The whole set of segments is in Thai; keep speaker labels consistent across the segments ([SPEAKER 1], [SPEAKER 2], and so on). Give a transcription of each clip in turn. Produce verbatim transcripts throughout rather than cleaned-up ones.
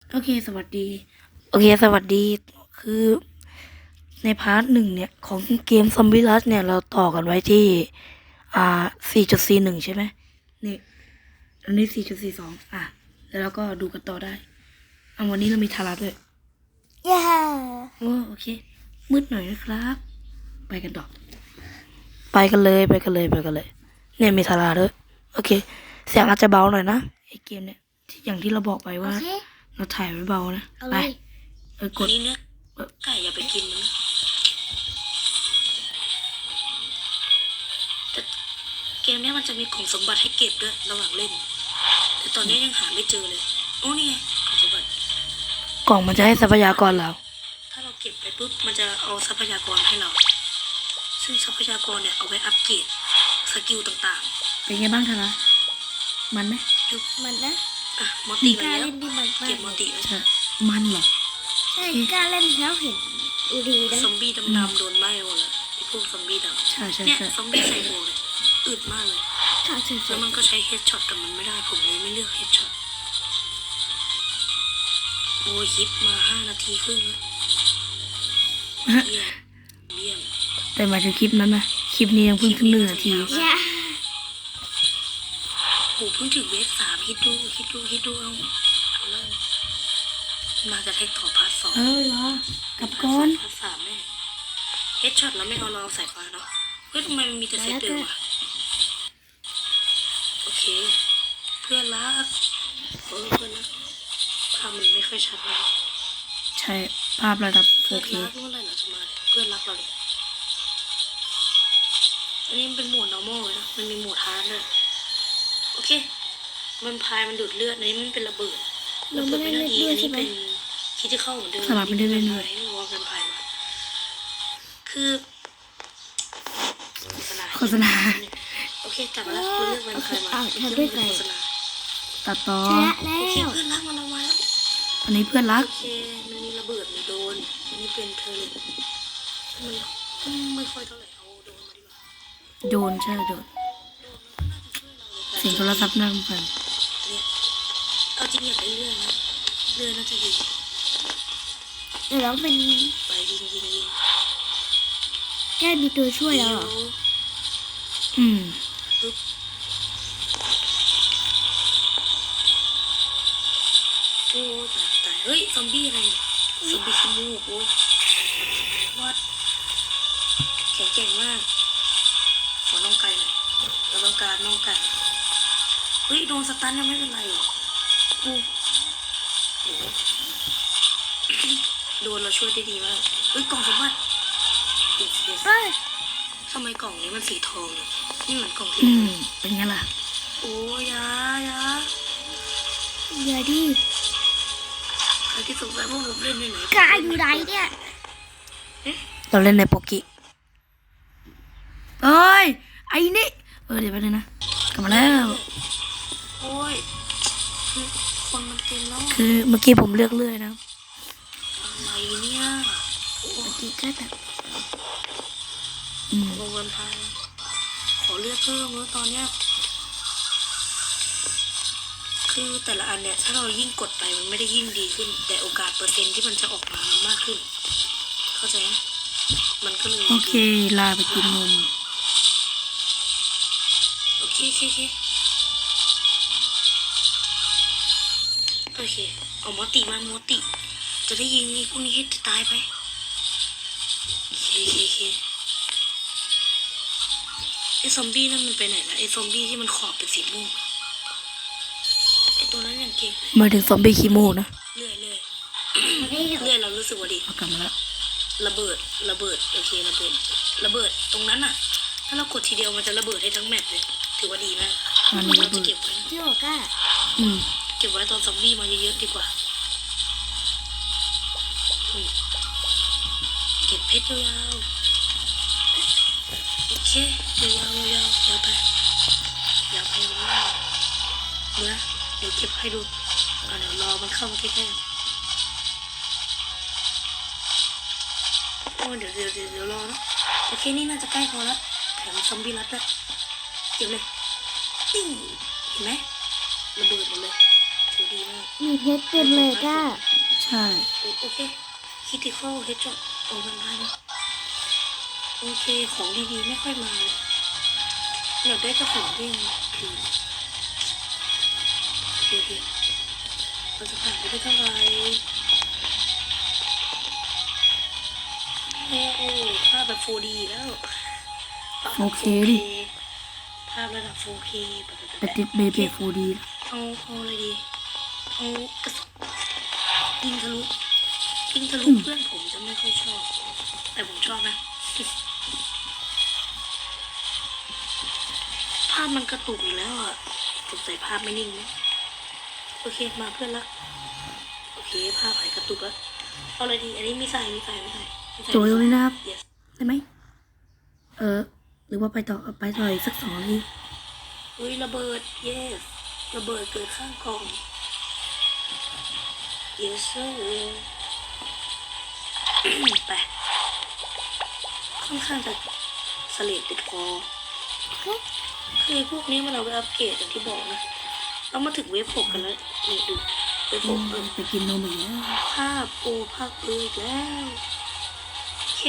[SPEAKER 1] โอเคสวัสดีโอเคสวัสดีคือในพาร์ทหนึ่งเนี่ยของเกมซอมบี้รัชเนี่ยเราต่อกันไว้ที่อ่าสี่จุดสี่หนึ่งใช่ไหมนี่อันนี้สี่จุดสี่สองอ่ะแล้วเราก็ดูกันต่อได้อ่ะวันนี้เรามีทาราด้วย
[SPEAKER 2] เย้
[SPEAKER 1] โอ้โอเคมืดหน่อยนะครับ ไปกันต่อไปกันเลยไปกันเลยไปกันเลยเนี่ยมีทาราด้วยโอเคเสียงอาจจะเบาหน่อยนะไอเกมเนี่ยที่อย่างที่เราบอกไป
[SPEAKER 2] โอ
[SPEAKER 1] ว่า
[SPEAKER 2] เค
[SPEAKER 1] เราถ่ายไว้เบานะ
[SPEAKER 2] เอา
[SPEAKER 1] ไป
[SPEAKER 2] เลย
[SPEAKER 1] เออกดนี้เนี่ยไก่อย่าไปกินมันแต่เกมเนี้ยมันจะมีของสมบัติให้เก็บด้วยระหว่างเล่น แต่ตอนนี้ยังหาไม่เจอเลยโอ้นี่ไงของสมบัติกล่องมันจะให้ทรัพยากรเราถ้าเราเก็บไปปุ๊บมันจะเอาทรัพยากรให้เรา ซึ่งทรัพยากรเนี่ยเอาไว้อัปเกรดสกิลต่างๆเป็นไงบ้างทาระมันไหมดู
[SPEAKER 2] มันนะ
[SPEAKER 1] อ่ะมอติ
[SPEAKER 2] ก
[SPEAKER 1] มา
[SPEAKER 2] ล้า
[SPEAKER 1] แล้ว
[SPEAKER 2] เล่นที่มันมาก
[SPEAKER 1] เก็บมอติไว้ใช่มันเหรอ
[SPEAKER 2] ใช่กล้าเล่นแล้วเห็นดีนะ
[SPEAKER 1] ซอมบี้ดำๆโดนไหม้หมดเลยไอ้พวกซอมบี้ดำใช่ใช่เนี่ยซอมบี้ใส่หมวกเนี่ยอึดมากเลย
[SPEAKER 2] ถ้าเฉย
[SPEAKER 1] แล้วมันก็ใช้เฮดช็อตกับมันไม่ได้ผมเลยไม่เลือกเฮดช็อตโอ้ยคลิปมาห้านาทีครึ่งแล้วเยี่ยมเยี่ยมแต่หมายถึงคลิปนั้นนะคลิปนี้ยังเพิ่งถึงหนึ่งนาที
[SPEAKER 2] ๆอย่า
[SPEAKER 1] โอ้เพิ่งถึงเวฟสามคิดดูคิดดูคิดดูเอาเอาเลยมาจะแท็กต่อพาร์ทสองเออเหรอกับก้อนพาร์ทสามแน่เฮดช็อตแล้วไม่เอาเราสายฟ้าเนาะเฮ้ยทำไมมันมีแต่เซตเดิมวะโอเคเพื่อนรักเออเพื่อนรักภาพมันไม่ค่อยชัดเลยใช่ภาพระดับโอเคเพื่อนรักเมื่อไหร่เราจะมาเพื่อนรักเราเลยอันนี้มันเป็นโหมด normal เลยนะมันมีโหมด hard ด้วยโอเคมันพายมันดูดเลือดอันนี้มันเป็นระเบิด
[SPEAKER 2] เราไม่ได้เล่นด้วยใช่ไหม
[SPEAKER 1] คิดจะเข้าเหมือนเดิมสลับไม่ได้เล่นด้วยไม่รู้ว่าเป็นพายมาคือโฆษณาโอเคกลับมาแล้วเราเลือกเป็นพายมาโฆษณาตัดต่อ
[SPEAKER 2] ชนะแล้
[SPEAKER 1] โอเคว เพื่อนรักมันเอามาแล้วอันนี้เพื่อนรักโอเคมันมีระเบิดมีโดนอันนี้เป็นเทอร์เลนมันไม่ค่อยเท่าไหร่เอาโดนมาดีกว่าโดนใช่โดนเสียงโทรศัพท์นั่งกันเนี่ยเอาจริงอยากได้เรื่องนะเรื่องน่าจะดี
[SPEAKER 2] เดี๋ยวเราเป็น
[SPEAKER 1] ไปยิงยิงยิง
[SPEAKER 2] แก้มีตัวช่วยแล้วเหรอ
[SPEAKER 1] อืมปึ๊บโอ้ตายตายเฮ้ยซอมบี้อะไรซอมบี้ขี้มูกโอ้วัดแข็งแกร่งมากขอน้องไก่หน่อยเราต้องการน้องไก่เฮ้ยโดนสตันยังไม่เป็นไรหรอกอู้โดนเราช่วยได้ดีมากเฮ้ยกล่องสมบัติ
[SPEAKER 2] เฮ้ย
[SPEAKER 1] ทำไมกล่องนี้มันสีทองเนี่ยนี่เหมือนกล่องที่เป็นไงล่ะโอ้ยายา
[SPEAKER 2] อย่าดิ
[SPEAKER 1] ใครที่สงสัยว่าผมเล่นในไหน
[SPEAKER 2] กล้าอยู่ไหนเนี่ย
[SPEAKER 1] เราเล่นในโปกิเอ้ยไอ้นี่เออเดี๋ยวไปเลยนะกลับมาแล้วโอ้ยคนมันเต็มแล้วคือเมื่อกี้ผมเลือกเลื่อยนะอะไรเนี่ยโอ้ยก็แบบอืมวงวันพายขอเลือกเพิ่มเมื่อตอนเนี้ยคือแต่ละอันเนี่ยถ้าเรายิ่งกดไปมันไม่ได้ยิ่งดีขึ้นแต่โอกาสเปอร์เซ็นต์ที่มันจะออกมามันมากขึ้นเข้าใจไหมมันก็เลยโอเคลาไปกินนมโอเคโอเคโอเคโอเคเอามอติมามอติจะได้ยิงไอ้พวกนี้ให้ตายไปโอเคโอเคโอเคไอ้ซอมบี้นั่นมันไปไหนละไอ้ซอมบี้ที่มันขอบเป็นสีม่วงไอ้ตัวนั้นอย่างเก่งมาถึงซอมบี้คีโมนะเรื่อยเรื่อยเรื่อยเรารู้สึกว่าดีเอากลับมาแล้วระเบิดระเบิดโอเคระเบิดระเบิดตรงนั้นอ่ะถ้าเรากดทีเดียวมันจะระเบิดให้ทั้งแมปเลยถือว่าดีมากเราจะเก็บไว้
[SPEAKER 2] ที่บอกกล้า
[SPEAKER 1] อืมเก็บไว้ตอนซอมบี้มาเยอะๆดีกว่าเก็บเพชรยาวๆโอเคยาวๆยาวๆยาวไปยาวไปยาวๆดูนะเดี๋ยวเก็บให้ดูอ่ะเดี๋ยวรอมันเข้ามาใกล้ๆโอ้เดี๋ยวเดี๋ยวเดี๋ยวเดี๋ยวรอนะโอเคนี่น่าจะใกล้พอแล้วแถมซอมบี้รัดด้วยเก็บเลยติ้งเห็นไหมระเบิดหมดเลยถือ
[SPEAKER 3] ดีมาก
[SPEAKER 2] มีเพชรเต็มเลยก้า
[SPEAKER 1] ใช่
[SPEAKER 3] โอเคคิติคอลเฮดช็อตโอ้มันมาแล้วโอเคของดีๆไม่ค่อยมาเลยอยากได้กระสุนเด้งคือโอเคโอเคเราจะผ่านไปได้เท่าไหร่โอ้โหภาพแบบ โฟร์ดี แล้ว
[SPEAKER 1] โอเคดิ
[SPEAKER 3] ภาพระดับ โฟร์เค แบบ
[SPEAKER 1] ไปติดเบเบฟูดี
[SPEAKER 3] เอาเอาอะไรดีเอากระสุนยิงทะลุยิงทะลุเพื่อนผมจะไม่ค่อยชอบ แต่ผมชอบนะ ภาพมันกระตุกอีกแล้วอ่ะสงสัยภาพไม่นิ่งนะโอเคมาเพื่อนละโอเคภาพหายกระตุกแล้วเอาอะไรดีอันนี้มีสายมีสายมีสายมีสาย
[SPEAKER 1] โจยตรงนี้นะครับ
[SPEAKER 3] yes
[SPEAKER 1] ได้ไหม เออ หรือว่าไปต่อไปต่ออีกสักสองนาที
[SPEAKER 3] อุ้ยระเบิด yes ระเบิดเกิดข้างกล่อง yes sir ไปค่อนข้างจะสเลดติดคอคือพวกนี้มันเอาไปอัปเกรดอย่างที่บอกนะเรามาถึงเวฟหกกันแล้วนี่ดูเวฟหกเออ
[SPEAKER 1] ไปกินนมอีกแล้ว
[SPEAKER 3] ภาพโอภาพเอออีกแล้วโอเค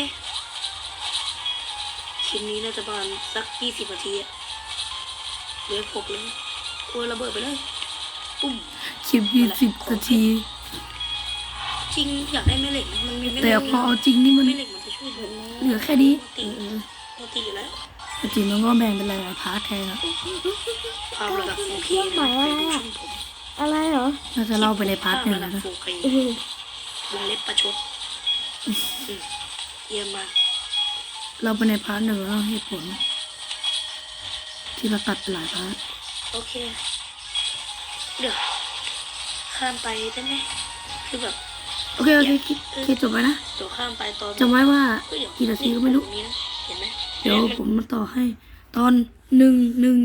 [SPEAKER 3] คลิปนี้น่าจะประมาณสักยี่สิบนาทีอะเวฟหกเลยโอ้ยระเบิดไปเลยปุ้ม
[SPEAKER 1] คลิปยี่สิบนาที
[SPEAKER 3] จริงอยากได้แม่เหล็กนะมันมีแม่เห
[SPEAKER 1] แต่
[SPEAKER 3] ล็ก
[SPEAKER 1] พอเอาจริงนี่มัน
[SPEAKER 3] แม่เหล็กมันจะช่วยดู
[SPEAKER 1] เหลือแค่นี้
[SPEAKER 3] ตี
[SPEAKER 1] เออ
[SPEAKER 3] โมตีอยู่แล้ว
[SPEAKER 1] แต่จริงมันก็แบ่งเป็นหลายๆพาร์ทแทนอะ
[SPEAKER 3] ภาพระดับ โฟร์เค
[SPEAKER 2] เครื่องหมายอะไร
[SPEAKER 3] ดู
[SPEAKER 2] อะ
[SPEAKER 3] ช่องผม
[SPEAKER 2] อะไรเหรอ
[SPEAKER 1] น่าจะเล่าไปในพาร์ทหนึ่ง
[SPEAKER 3] ภพระดับ
[SPEAKER 1] นะ
[SPEAKER 3] โฟร์เค
[SPEAKER 2] เออ
[SPEAKER 3] วงเล็บประชดอืมเยี่ยมมาก
[SPEAKER 1] เราไปในพาร์ทหนึ่งแล้วเหตุผล ที่เราตัดไปหลายพาร์ท
[SPEAKER 3] โอเค เดี๋ยวข้ามไปได้ไหมคือแบบ
[SPEAKER 1] โอเค โอเคคิดคิดจบไปนะ
[SPEAKER 3] เดี๋ยวข้ามไปตอน
[SPEAKER 1] จำไว้ว่า
[SPEAKER 3] เฮ้ยเดี๋ยว
[SPEAKER 1] กี่นาทีก็ไม่รู้
[SPEAKER 3] ตงนี้นะเห็นไหม
[SPEAKER 1] เดี๋ยวผมมาต่อให้ ตอนหนึ่งหนึ่ง